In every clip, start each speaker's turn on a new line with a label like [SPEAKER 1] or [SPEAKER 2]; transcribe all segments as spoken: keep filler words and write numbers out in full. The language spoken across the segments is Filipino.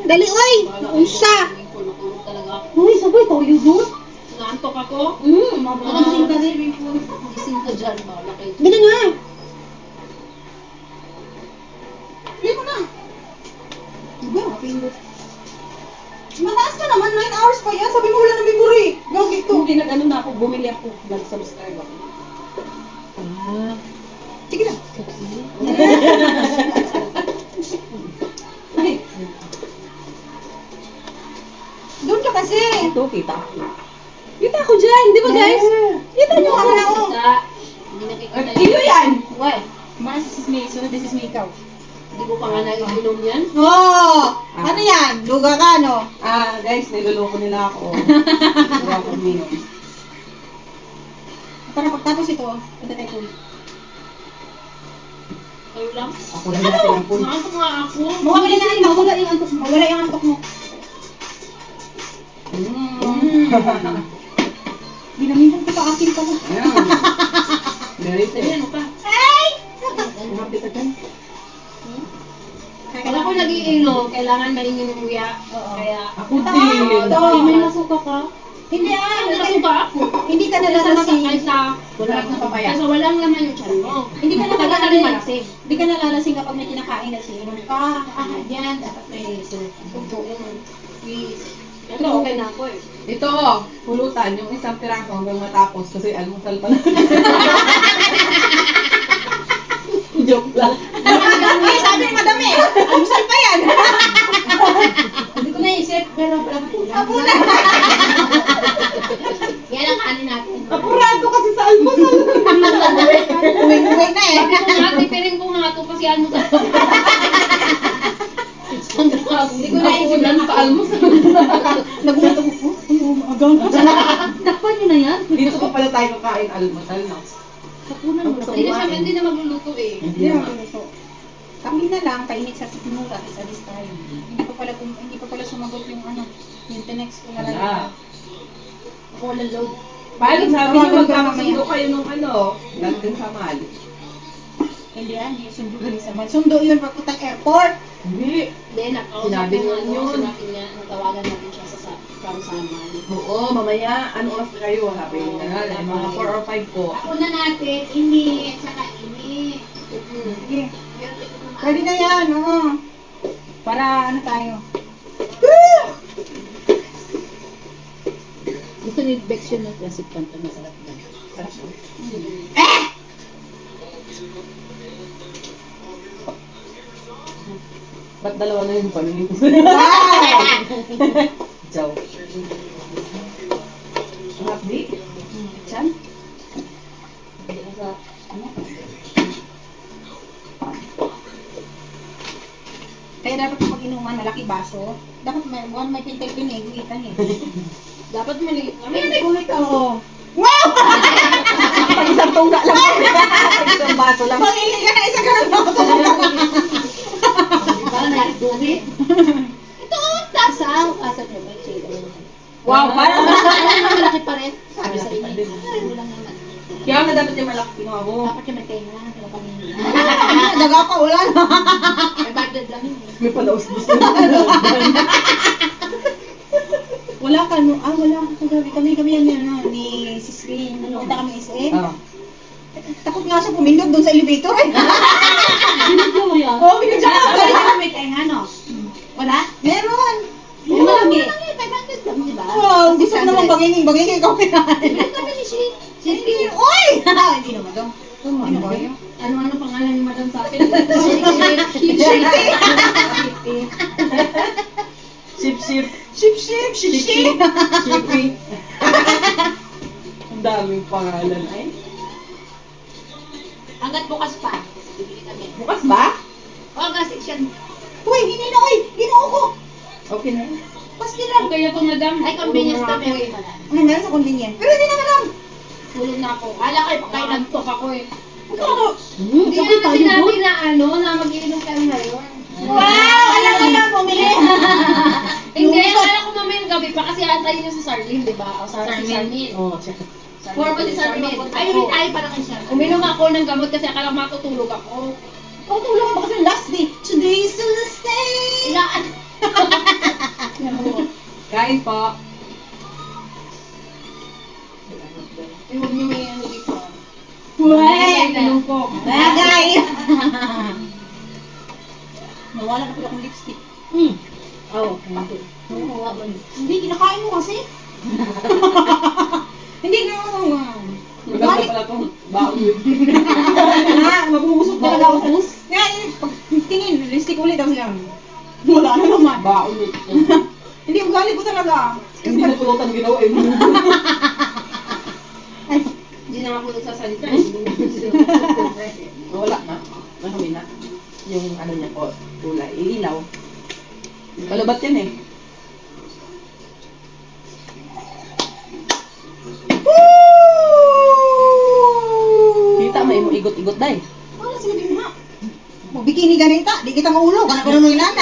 [SPEAKER 1] Dali, oy! Unsa? Uy, sabay, toyo doon.
[SPEAKER 2] Naantok ako?
[SPEAKER 1] Hmm, mabulasing ka rin.
[SPEAKER 2] Gising ka dyan, bala kayo.
[SPEAKER 1] Dali nga. Dali mo na. Diba, mapindot. Mataas ka naman, nine hours pa yan. Sabi mo wala na memory. Gawin to.
[SPEAKER 2] Hindi nag-ano na ako, bumili ako, nag-subscribe ako.
[SPEAKER 1] Ah. Sige na. Ay. Doon ka kasi.
[SPEAKER 2] Ito, kita ako. Kita ako dyan, di ba guys?
[SPEAKER 1] Kita nyo ako na ako.
[SPEAKER 2] Hindi nakikita
[SPEAKER 1] Iyo yan.
[SPEAKER 2] Why?
[SPEAKER 1] Mas is me, so this is me ikaw.
[SPEAKER 2] Hindi ko pa nga naiinom yan.
[SPEAKER 1] Oh! Ano yan? Luga ka, no?
[SPEAKER 2] Ah, guys, niloloko nila ako. Hindi ako uminom.
[SPEAKER 1] Para pagtapos ito, punta tayo po.
[SPEAKER 2] Kayo lang?
[SPEAKER 3] Ako lang natin ang punta.
[SPEAKER 2] Naantok nga ako.
[SPEAKER 1] Mawala na yung mawala yung antok mo. Mawala yung antok mo.
[SPEAKER 3] Mm.
[SPEAKER 1] Ginamitan ko pa akin pala.
[SPEAKER 3] Ayan. Very
[SPEAKER 2] Sabi
[SPEAKER 3] good.
[SPEAKER 2] ano pa?
[SPEAKER 1] Ay!
[SPEAKER 3] Happy ka dyan?
[SPEAKER 2] Pag ako nag-iinom, kailangan maingin yung kuya.
[SPEAKER 1] Oo.
[SPEAKER 2] Kaya,
[SPEAKER 3] Ako din.
[SPEAKER 1] Ito.
[SPEAKER 2] Ay, may nasuka ka?
[SPEAKER 1] Hindi ah,
[SPEAKER 2] May nasuka ako.
[SPEAKER 1] hindi ka
[SPEAKER 2] Kaysa
[SPEAKER 1] nalalasing.
[SPEAKER 2] kaysa,
[SPEAKER 3] Wala na papaya.
[SPEAKER 2] kaysa walang laman yung tiyan mo.
[SPEAKER 1] Hindi ka
[SPEAKER 2] Tagal ka rin
[SPEAKER 1] nalalasing.
[SPEAKER 2] malasing.
[SPEAKER 1] Hindi ka nalalasing kapag may kinakain na siya. Ah, ah,
[SPEAKER 2] Yan, dapat may sugo naman. Please. Ito, okay na ako eh.
[SPEAKER 3] Ito, pulutan, yung isang piraso hanggang matapos kasi almusal pa na. Joke lang.
[SPEAKER 1] Ay, sabi ni madam eh. Almusal pa yan.
[SPEAKER 2] Hindi ko naisip, pero pala
[SPEAKER 1] Apunan.
[SPEAKER 2] Yan ang kanin natin.
[SPEAKER 3] Apurado kasi sa almusal.
[SPEAKER 1] Uwi-uwi na eh.
[SPEAKER 2] Sabi ko nga, tipirin ko nga ito kasi ano sa... Hindi ko naisip
[SPEAKER 3] Ulan pa almusal.
[SPEAKER 1] Nagulat ako. Ay, umagang. Takpan niyo na yan.
[SPEAKER 3] Dito pa pala tayo kakain almusal, no?
[SPEAKER 1] Tapunan mo na.
[SPEAKER 2] Hindi na siya, hindi na magluluto eh.
[SPEAKER 3] Hindi
[SPEAKER 1] Hindi na
[SPEAKER 3] naman.
[SPEAKER 1] gusto. Kami na lang, kainit sa sinura, is alis tayo. Hindi pa pala, hindi pa pala sumagot yung ano, yung tinext ko na lang.
[SPEAKER 3] Ah.
[SPEAKER 2] Ako walang load.
[SPEAKER 3] Paano sabi niyo
[SPEAKER 1] Tawagan ka
[SPEAKER 3] magkakasundo
[SPEAKER 1] mamaya.
[SPEAKER 3] kayo nung ano? Nandun sa mall.
[SPEAKER 1] Hindi yan, hindi sundo rin sa man. Sundo yun pagpuntang airport.
[SPEAKER 3] Hindi.
[SPEAKER 2] Hindi, nakausap
[SPEAKER 3] Sinabi
[SPEAKER 2] ko
[SPEAKER 3] niyo
[SPEAKER 2] ano,
[SPEAKER 3] yun.
[SPEAKER 2] sinabi niya, natawagan natin siya sa sa- from Saman.
[SPEAKER 3] Oo, mamaya. Ano oras na kayo? Sabi niya na, like, mga four or five po.
[SPEAKER 2] Ako na natin, ini, tsaka ini.
[SPEAKER 1] Sige. Pwede na yan, oo. Para ano tayo.
[SPEAKER 2] Gusto ni Bex yun ng classic panta, masarap na.
[SPEAKER 1] Eh!
[SPEAKER 3] Ba't dalawa na yung panin?
[SPEAKER 1] Wow!
[SPEAKER 3] Ciao. Ang update?
[SPEAKER 1] Chan? Kaya dapat kapag inuman, malaki baso. Dapat may, one may pintel piniguitan eh.
[SPEAKER 2] Dapat maliit kami.
[SPEAKER 1] Ay, may gulit ako. Wow!
[SPEAKER 3] Pag isang tungga lang. Isang baso lang.
[SPEAKER 1] Pangili ka na isa ka lang ako.
[SPEAKER 2] Diba, nag-gulit? Ito, tasa. Asa niyo ba?
[SPEAKER 3] Wow, parang
[SPEAKER 2] Malaki pa rin. Sabi sa inyo. Ay, wala naman.
[SPEAKER 3] kaya nga dapat yung malaki kinuha mo.
[SPEAKER 2] Dapat yung may tenga. Wala kami.
[SPEAKER 1] Daga ka, wala na.
[SPEAKER 2] May budget lang yun.
[SPEAKER 3] May palaus-bus na.
[SPEAKER 1] Wala ka, no? Ah, wala ka kagabi. Kami, kami yan yan, no? Ni Sis Green. Punta kami S M.
[SPEAKER 3] Oh.
[SPEAKER 1] Takot nga siya pumindot doon sa elevator eh.
[SPEAKER 2] Binigyan mo yan?
[SPEAKER 1] Oo, binigyan ko.
[SPEAKER 2] Wala ka may tenga, no? Wala?
[SPEAKER 1] Meron.
[SPEAKER 2] Yung marami. five hundred lang, di ba?
[SPEAKER 1] Wow, gusto ko naman bangingin, bangingin ikaw kinain.
[SPEAKER 2] Hindi kami ni Shi.
[SPEAKER 1] Hindi, oy! Hindi naman daw. Ano ba yun?
[SPEAKER 2] Ano ano pangalan ni Madam sa akin? Ship, ship, ship.
[SPEAKER 3] Ship, ship.
[SPEAKER 1] Ship, ship, ship, ship.
[SPEAKER 3] Shippy. Ang daming pangalan ay.
[SPEAKER 2] Hanggat bukas pa. Bibili kami.
[SPEAKER 3] Bukas ba?
[SPEAKER 2] Oh, kasi siya.
[SPEAKER 1] Uy, hindi na, oy! Ginoo ko!
[SPEAKER 3] Okay na yun.
[SPEAKER 1] Pasti lang.
[SPEAKER 2] Kaya po, Madam. Ay, convenience na meron pala.
[SPEAKER 1] Ano meron sa convenience? Pero hindi naman lang.
[SPEAKER 2] Tulog na ako. Ala kayo, pagkain nagtok ako eh.
[SPEAKER 1] Ikaw ano?
[SPEAKER 2] Hindi naman sinabi na ano, na mag-iinom kami ngayon.
[SPEAKER 1] Wow! Alam mo na, bumili.
[SPEAKER 2] Hindi, akala ko mamayang gabi pa kasi antayin niyo si Sarlene, di ba? O Sar si Sarlene.
[SPEAKER 3] Oh, check.
[SPEAKER 2] Four ba si Sarlene? Ay, ulit tayo para kay Sarlene. Uminom ako ng gamot kasi akala ko matutulog ako.
[SPEAKER 1] Ikaw tulong ba kasi last day? Today's the last day.
[SPEAKER 2] Ilaan.
[SPEAKER 3] Kain po.
[SPEAKER 1] Eh, huwag niyo may ano dito.
[SPEAKER 2] Bagay na.
[SPEAKER 3] Tulong po.
[SPEAKER 1] Bagay! Nawala na pala akong lipstick.
[SPEAKER 2] Hmm. Oo, okay. Nakuha mo.
[SPEAKER 1] Hindi, kinakain mo kasi. Hindi na ako.
[SPEAKER 3] Maganda pala itong baon.
[SPEAKER 1] Ah, mabubusog talaga ako. Nga, eh, pag tingin, lipstick ulit ako lang. Wala na naman.
[SPEAKER 3] Baon.
[SPEAKER 1] Hindi, ugali ko talaga.
[SPEAKER 3] Hindi na pulutan ginawa eh.
[SPEAKER 1] Ay,
[SPEAKER 2] Hindi na ako nagsasalita.
[SPEAKER 3] Wala na. Mahumi na. Yung ano niya po, kulay. Ilaw. Palabat yan eh. Kita may mo igot-igot dahil.
[SPEAKER 1] wala sinabi mo nga. Magbikini ganita, di kita maulog. Anak ko na nung inana.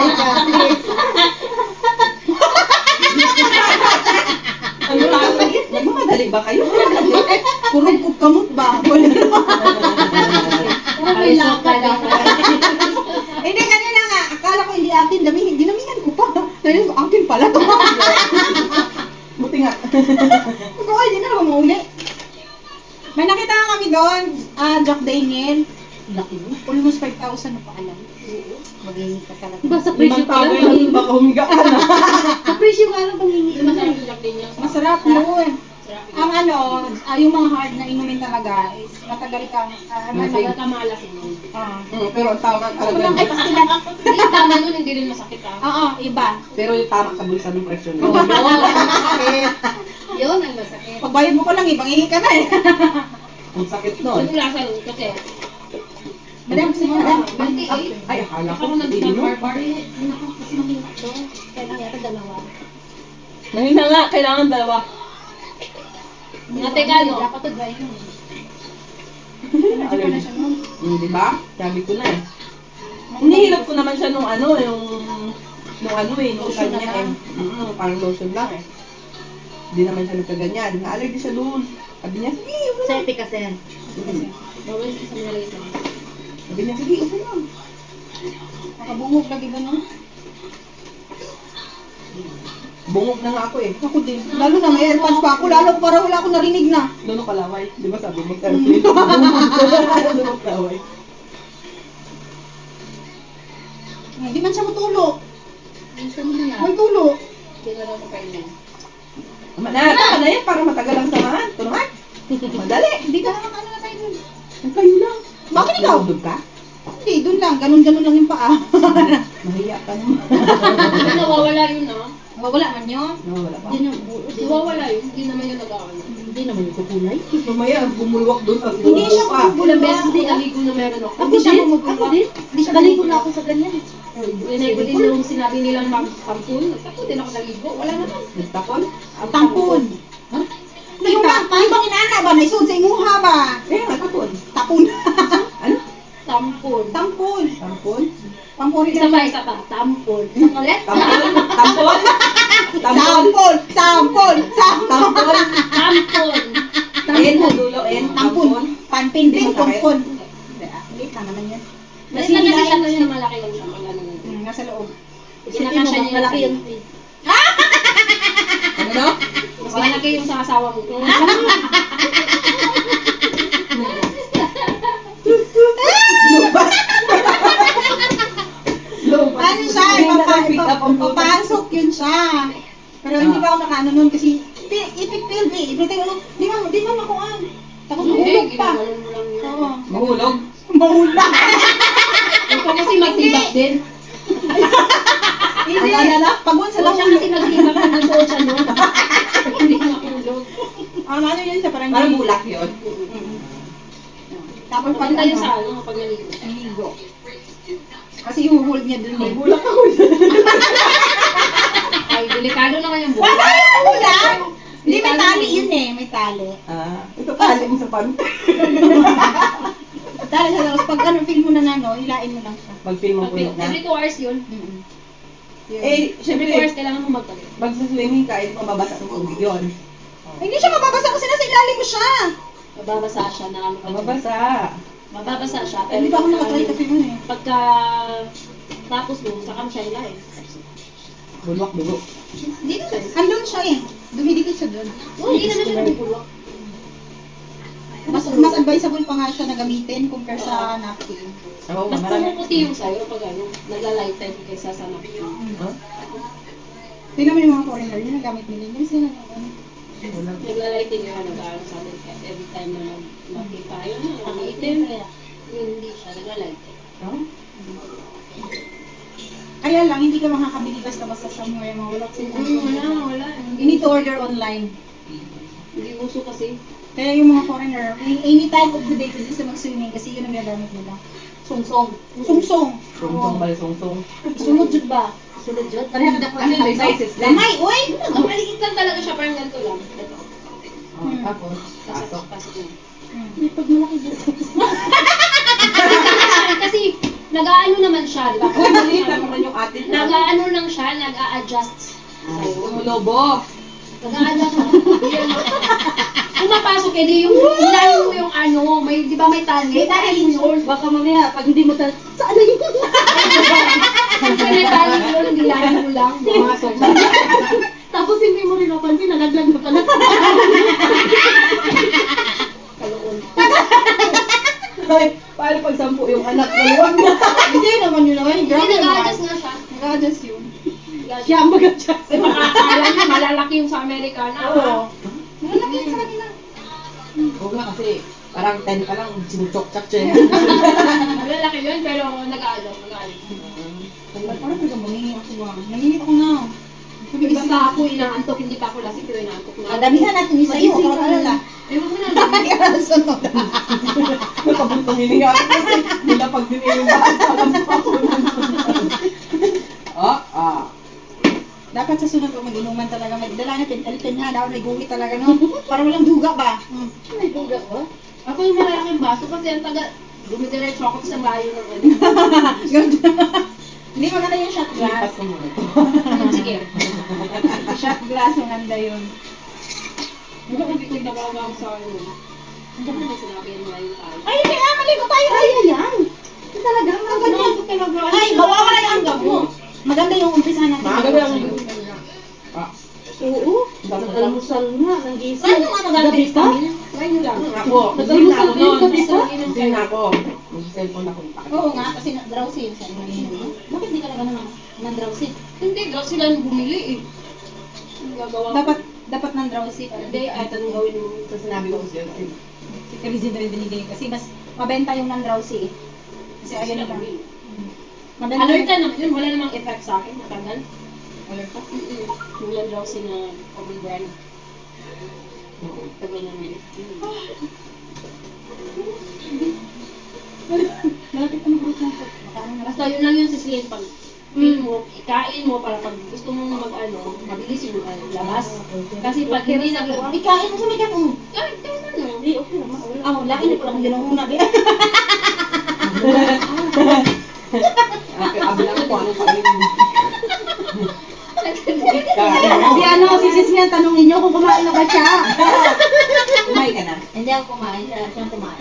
[SPEAKER 3] Ano lang? Nagmamadali ba kayo?
[SPEAKER 1] Kurog kog kamot ba? Wala naman.
[SPEAKER 2] Parang may lakad ako.
[SPEAKER 1] Hindi, kanina nga. Akala ko hindi akin. Dami, dinamihan ko pa. Ngayon ko, akin pala to.
[SPEAKER 3] Buti nga.
[SPEAKER 1] Ito ay, di na naman mauli. May nakita nga kami doon. Ah, Jack Daniel.
[SPEAKER 2] Laki mo.
[SPEAKER 1] Almost five thousand na pa alam. Magiging ka talaga.
[SPEAKER 2] Ba, sa presyo
[SPEAKER 3] Limang
[SPEAKER 2] pa
[SPEAKER 3] tao
[SPEAKER 2] lang
[SPEAKER 3] lang
[SPEAKER 2] pangingi.
[SPEAKER 3] baka humiga ka na.
[SPEAKER 2] Sa presyo ka lang pangingi. Masarap yung lakdi niya.
[SPEAKER 1] Masarap yun. Ang ano, ah, yung mga hard na inumin talaga is matagal kang, ah, ano,
[SPEAKER 2] Masagal ka malasing mo.
[SPEAKER 1] ah.
[SPEAKER 3] Mm, pero ang tama
[SPEAKER 1] Ako lang, ay,
[SPEAKER 3] talaga.
[SPEAKER 1] pastilan.
[SPEAKER 2] Hindi, tama nun, hindi rin masakit ah.
[SPEAKER 1] Oo, iba.
[SPEAKER 3] Pero yung tama sa bulsa ng presyo
[SPEAKER 2] Oo,
[SPEAKER 3] niya.
[SPEAKER 2] yun. Yun ang masakit.
[SPEAKER 1] Pagbayad mo ko lang, ibang ka na eh.
[SPEAKER 3] Ang sakit nun.
[SPEAKER 2] Yung lasa nun kasi.
[SPEAKER 1] Madam, sige, madam.
[SPEAKER 2] twenty-eight.
[SPEAKER 3] Ay, akala ko.
[SPEAKER 2] Ako
[SPEAKER 3] Hindi mo.
[SPEAKER 2] nag-barbar. Naku, kasi mahina to. Kailangan yata dalawa.
[SPEAKER 3] Mahina nga, kailangan dalawa.
[SPEAKER 2] Nga teka, no?
[SPEAKER 1] Dapat to dry yun.
[SPEAKER 3] Ano
[SPEAKER 1] Hindi pa na siya nun.
[SPEAKER 3] Hmm, di ba? Sabi ko na eh. Hinihilap ko naman siya nung ano, yung nung ano eh, nung
[SPEAKER 1] Lotion
[SPEAKER 3] kanya
[SPEAKER 1] na lang.
[SPEAKER 3] eh. Mm, parang lotion lang eh. Hindi naman siya nagkaganyan. Na-allergy siya doon. Sabi niya, sige, upo lang.
[SPEAKER 2] Safety kasi.
[SPEAKER 3] Mm.
[SPEAKER 2] Bawal sa nilagay sa mga.
[SPEAKER 3] Sabi niya, sige, upo lang.
[SPEAKER 1] Nakabungog lagi ba no?
[SPEAKER 3] Bungog na nga ako eh.
[SPEAKER 1] Ako din. Lalo na may airpods pa ako. Lalo para wala akong narinig na.
[SPEAKER 3] Doon kalaway. Di ba sabi mo, airplane? Doon kalaway.
[SPEAKER 1] Hindi man siya matulog.
[SPEAKER 2] Gusto mo na
[SPEAKER 1] May tulog.
[SPEAKER 2] Hindi na lang makainin.
[SPEAKER 3] Tama na, tama na yan para matagal ang samahan. Tulungan. Madali.
[SPEAKER 1] Hindi ka naman ano na tayo dun.
[SPEAKER 3] Ang kayo lang.
[SPEAKER 1] Bakit ikaw?
[SPEAKER 3] Doon ka?
[SPEAKER 1] Hindi, dun lang. Ganun-ganun lang yung paa.
[SPEAKER 3] Mahiya ka naman.
[SPEAKER 2] Hindi nawawala yun ah.
[SPEAKER 1] Wala man yun.
[SPEAKER 3] Nawawala pa.
[SPEAKER 2] Hindi na, nawawala yun. Hindi naman yung nag-aano. Hindi naman yung kukulay.
[SPEAKER 3] Mamaya, bumulwak doon sa
[SPEAKER 1] Hindi siya
[SPEAKER 3] pa.
[SPEAKER 1] bumulwak.
[SPEAKER 2] Ilang beses din naligo na meron ako.
[SPEAKER 1] Ako siya bumubulwak.
[SPEAKER 2] Ako din.
[SPEAKER 1] Hindi siya
[SPEAKER 2] Naligo
[SPEAKER 1] bumubulwak.
[SPEAKER 2] na ako sa ganyan. Rinay ko din yung sinabi nilang pam- pampun. Ako din ako naligo. Wala naman.
[SPEAKER 3] Nagtapon?
[SPEAKER 1] Ang tampon.
[SPEAKER 3] Ha?
[SPEAKER 1] Yung bang, yung bang inaana ba? Naisod sa imuha ba?
[SPEAKER 3] Eh, nagtapon.
[SPEAKER 1] Tapon.
[SPEAKER 3] Ano?
[SPEAKER 2] Tampon.
[SPEAKER 1] Tampon.
[SPEAKER 3] Tampon?
[SPEAKER 1] Pampuri
[SPEAKER 2] Isa
[SPEAKER 1] na.
[SPEAKER 2] pa, isa pa. Tampon. Isang ulit.
[SPEAKER 3] Tampon? Tampon?
[SPEAKER 1] Tampon. Tampon. Tampon.
[SPEAKER 2] Tampon.
[SPEAKER 3] En, sa dulo, en.
[SPEAKER 1] Tampon. Panpinpin.
[SPEAKER 3] Hindi masakit.
[SPEAKER 1] Kumpon. Ulit na naman yan.
[SPEAKER 2] Mas lang kasi siya nun yung malaki lang siya. Wala naman.
[SPEAKER 1] Hmm, nasa loob.
[SPEAKER 2] Kinakasya niya malaki yun.
[SPEAKER 3] Ano no?
[SPEAKER 2] Mas malaki yung sa asawa mo.
[SPEAKER 3] Lumabas.
[SPEAKER 1] Ano siya?
[SPEAKER 3] Hindi na
[SPEAKER 1] Papa,
[SPEAKER 3] pick up ang butas.
[SPEAKER 1] papasok yun siya. Pero hindi pa ako nakaano nun kasi ipipil me. Everything ano, di man, di man ako an. Takot mahulog pa.
[SPEAKER 2] Ginagalan mo lang yun.
[SPEAKER 1] Oo.
[SPEAKER 3] Mahulog?
[SPEAKER 1] Mahulog.
[SPEAKER 2] Ikaw kasi magtibak din.
[SPEAKER 1] Hindi.
[SPEAKER 3] Ano, ano?
[SPEAKER 1] Pagwan sa
[SPEAKER 2] Sa siya kasi
[SPEAKER 1] lahulog.
[SPEAKER 2] nagtibak na nasuot siya nun. Hindi makulog.
[SPEAKER 1] Ano ano yun siya parang
[SPEAKER 3] Parang bulak yun.
[SPEAKER 1] Mm. Tapos pag
[SPEAKER 2] Pagkanta yun
[SPEAKER 1] ano,
[SPEAKER 2] sa ano, pag naligo.
[SPEAKER 1] ligo. Kasi ihuhulog niya dun eh.
[SPEAKER 3] Bulak ako.
[SPEAKER 2] Ay, delikado naman yung
[SPEAKER 1] Wala
[SPEAKER 2] buhay.
[SPEAKER 1] yung ulan! Hindi, may tali yun eh. May tali.
[SPEAKER 3] Ah, ito pala mo sa pan.
[SPEAKER 1] Tali siya. Tapos pag ano, feel mo na na, no, hilain mo lang siya.
[SPEAKER 3] Mag-film mo
[SPEAKER 2] Pag-
[SPEAKER 3] po na.
[SPEAKER 2] Every two hours yun.
[SPEAKER 1] Mm-mm.
[SPEAKER 3] Eh,
[SPEAKER 2] Every two hours
[SPEAKER 3] syempre,
[SPEAKER 2] kailangan mo magpalit.
[SPEAKER 3] pag sa swimming ka, ito mababasa ng tubig yun.
[SPEAKER 1] Ay, hindi siya mababasa kasi nasa ilalim mo siya.
[SPEAKER 2] Mababasa siya na ano.
[SPEAKER 3] Mababasa.
[SPEAKER 2] Mababasa siya.
[SPEAKER 1] Ay, hindi pa ako nakatry kasi yun eh.
[SPEAKER 2] Pagka tapos mo, saka mo siya ilahin.
[SPEAKER 3] Bulwak, dugo.
[SPEAKER 2] Dito tayo.
[SPEAKER 1] Andun siya eh. Dumidikit siya doon.
[SPEAKER 2] Hindi naman siya nabubulok.
[SPEAKER 1] Mas, mas advisable pa nga siya na gamitin compare sa napkin.
[SPEAKER 3] Oo,
[SPEAKER 2] Mas
[SPEAKER 3] marami.
[SPEAKER 2] pumuputi yung sa'yo pag ano, nagla-lighten kaysa sa napkin.
[SPEAKER 3] Huh?
[SPEAKER 1] Tingnan mo yung mga foreigner yun, nagamit nila. Hindi sila ano.
[SPEAKER 3] Wala.
[SPEAKER 2] Nagla-lighten yung ano, nag-aaral sa atin every time na makita yun, nakaitim. Yun, hindi siya, nagla-lighten.
[SPEAKER 3] Huh?
[SPEAKER 1] Kaya lang, hindi ka makakabili basta-basta somewhere. Mga wala kasi
[SPEAKER 2] Hmm, wala, wala.
[SPEAKER 1] You need to order online.
[SPEAKER 2] Hindi uso kasi.
[SPEAKER 1] Kaya yung mga foreigner, any any time of the day pwede sa mag-swimming kasi yun ang gagamit nila. Sungsong. Sungsong.
[SPEAKER 3] Sungsong bali, sungsong.
[SPEAKER 1] Sunod jud ba?
[SPEAKER 2] Sunod dyan.
[SPEAKER 1] Pareha ka
[SPEAKER 3] Ano yung sizes din?
[SPEAKER 1] Lamay, oy!
[SPEAKER 2] Ang maliit lang talaga siya, parang ganito lang. Ito.
[SPEAKER 3] Oh, tapos,
[SPEAKER 2] Pasok,
[SPEAKER 3] pasok.
[SPEAKER 2] pasok na.
[SPEAKER 1] Hmm. Pag malaki dyan.
[SPEAKER 2] Kasi, nag-aano naman siya, di ba?
[SPEAKER 3] Uy, maliit lang naman yung atin.
[SPEAKER 2] Nag-aano lang siya, nag-a-adjust sa'yo.
[SPEAKER 3] Umulobo.
[SPEAKER 2] Nag-a-adjust lang. Kung mapasok, edi yung, hilahin mo yung ano, may, di ba may tali?
[SPEAKER 1] May tali
[SPEAKER 2] mo yun.
[SPEAKER 1] Baka mamaya, pag hindi mo tal... Saan na yun?
[SPEAKER 2] Kung may tali mo yun, hilahin mo lang. Pumasok.
[SPEAKER 1] Tapos hindi mo rin napansin, nalaglag na pala.
[SPEAKER 2] Kaloon.
[SPEAKER 3] Ay, paano pag sampu yung anak? Maluwag na.
[SPEAKER 1] Hindi naman yun naman.
[SPEAKER 2] Hindi,
[SPEAKER 1] Grabe
[SPEAKER 2] nag-a-adjust
[SPEAKER 1] naman.
[SPEAKER 2] nga siya.
[SPEAKER 1] Nag-a-adjust yun.
[SPEAKER 2] Nag-a-adjust.
[SPEAKER 1] Siya ang mag-adjust.
[SPEAKER 2] Kasi makakala niya, malalaki yung sa Amerikana.
[SPEAKER 1] Oo. Malalaki yun sa kanila.
[SPEAKER 3] Oo nga kasi, parang ten pa lang, sinuchok-chak siya.
[SPEAKER 2] Malalaki yun, pero nag-a-adjust, nag-a-adjust.
[SPEAKER 1] Parang pag bumingi ako ba? Nanginit ako na.
[SPEAKER 2] Basta ako inaantok, hindi pa ako lasing, pero inaantok na.
[SPEAKER 1] Ang damihan natin isa yun.
[SPEAKER 2] Magising
[SPEAKER 1] Huwag
[SPEAKER 2] ka
[SPEAKER 1] ka alala.
[SPEAKER 2] Eh, huwag mo na.
[SPEAKER 1] Ay, ang sunod.
[SPEAKER 3] Nakabuntong hininga ako kasi, nila pag diniling ba, alam mo ako. Ah, ah.
[SPEAKER 1] Dapat sa sunod pag mag-inuman talaga, magdala na pentel-pen ha, daw may guhit talaga, no? Para walang duga ba? Hmm.
[SPEAKER 2] May duga ko? Ako yung malalaking baso kasi ang taga, dumidiretso ako sa layo ng ano.
[SPEAKER 1] Hindi maganda yung shot
[SPEAKER 3] Lipat
[SPEAKER 1] glass.
[SPEAKER 3] ko muna ito.
[SPEAKER 2] Sige.
[SPEAKER 1] Shot glass, maganda yun.
[SPEAKER 2] Hindi ko hindi ko nababa ako sa ano. Hindi ko na sinabi yan malayo tayo.
[SPEAKER 1] Ay, hindi nga, maligo tayo. Ay, yan. Ito talaga, maganda.
[SPEAKER 2] Ano, talaga.
[SPEAKER 1] Ay, mawawala yung anggap mo. Maganda yung umpisa natin.
[SPEAKER 3] Maganda yung- Ah,
[SPEAKER 1] Oo.
[SPEAKER 3] nag-almusal
[SPEAKER 1] nga, nang gising. Paano nga nag-gabi ka?
[SPEAKER 2] Ngayon lang.
[SPEAKER 3] ako, hindi na ako noon. Hindi na ako. Mag-cellphone ako.
[SPEAKER 1] Oo nga, kasi na- drowsy yung sa inyo. Bakit di ka na gano'n ng drowsy?
[SPEAKER 2] Hindi, daw sila nang bumili eh. Ang gagawa ko.
[SPEAKER 1] Dapat, dapat ng drowsy.
[SPEAKER 2] Hindi, kahit anong gawin mo.
[SPEAKER 3] Sa sinabi ko siya, ay,
[SPEAKER 1] Si Crazy na rin binigay kasi mas mabenta yung non-drowsy eh. Kasi ayun na lang. Mabenta
[SPEAKER 2] Alerta naman yun, wala namang effect sa akin, matagal.
[SPEAKER 3] alerta?
[SPEAKER 2] Mm-mm. Wala daw si na common brand. Tagal naman.
[SPEAKER 1] Malapit ang group ng food. Makaano na lang.
[SPEAKER 2] Basta yun lang yung sisihin pag feel mo, ikain mo para pag gusto mong mag-ano, mabilis yung ano, labas. Kasi pag hindi na
[SPEAKER 1] Ikain mo sa may kanong.
[SPEAKER 2] kahit kahit ano.
[SPEAKER 1] Hindi, okay naman. Ah, wala. Hindi ko lang ginuuna. di.
[SPEAKER 3] Abi lang ko anong kainin.
[SPEAKER 1] Hindi ano, si Sis nga, tanongin niyo kung kumain na ba siya.
[SPEAKER 3] Kumain ka na.
[SPEAKER 1] Hindi ako kumain, siya siya kumain.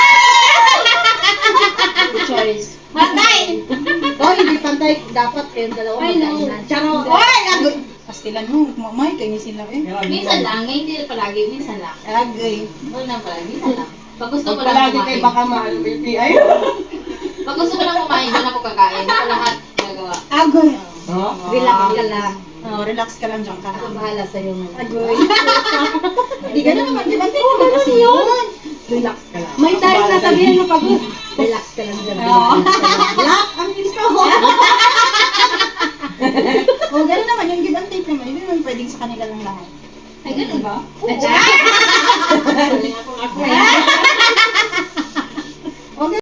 [SPEAKER 2] Good choice.
[SPEAKER 1] Pantay! Oh, hindi pantay. Dapat kayong dalawa
[SPEAKER 2] I know.
[SPEAKER 1] magkainan. Charo! Oy! Agay! Pastilan mo, mamay, kayo sila eh.
[SPEAKER 4] Minsan lang, ngayon hindi palagi, minsan lang.
[SPEAKER 1] Agay.
[SPEAKER 4] Huwag lang palagi, minsan lang. Pag gusto
[SPEAKER 3] Pag
[SPEAKER 4] ko lang
[SPEAKER 3] palagi kayo
[SPEAKER 4] kumain.
[SPEAKER 3] baka mahal mo yung P I.
[SPEAKER 4] Pag gusto ko lang kumain, doon ako kakain. Ito lahat nagawa.
[SPEAKER 1] Agay.
[SPEAKER 3] Oh,
[SPEAKER 1] Relax ka lang. Oh, relax ka lang dyan ka.
[SPEAKER 4] Ako bahala sa'yo ngayon.
[SPEAKER 1] Agay. Hindi ka na naman, di ba? Hindi ko naman yun.
[SPEAKER 3] relax ka lang.
[SPEAKER 1] May tayo na sabihin mo pag...
[SPEAKER 4] Relax ka lang dyan.
[SPEAKER 1] Oo. Lock, ang bilis ka ho. O, gano'n naman, yung give and take naman, hindi naman pwedeng sa kanila lang lahat.
[SPEAKER 2] Ay, ganun ba?
[SPEAKER 1] Oo.
[SPEAKER 2] Galing ako nga.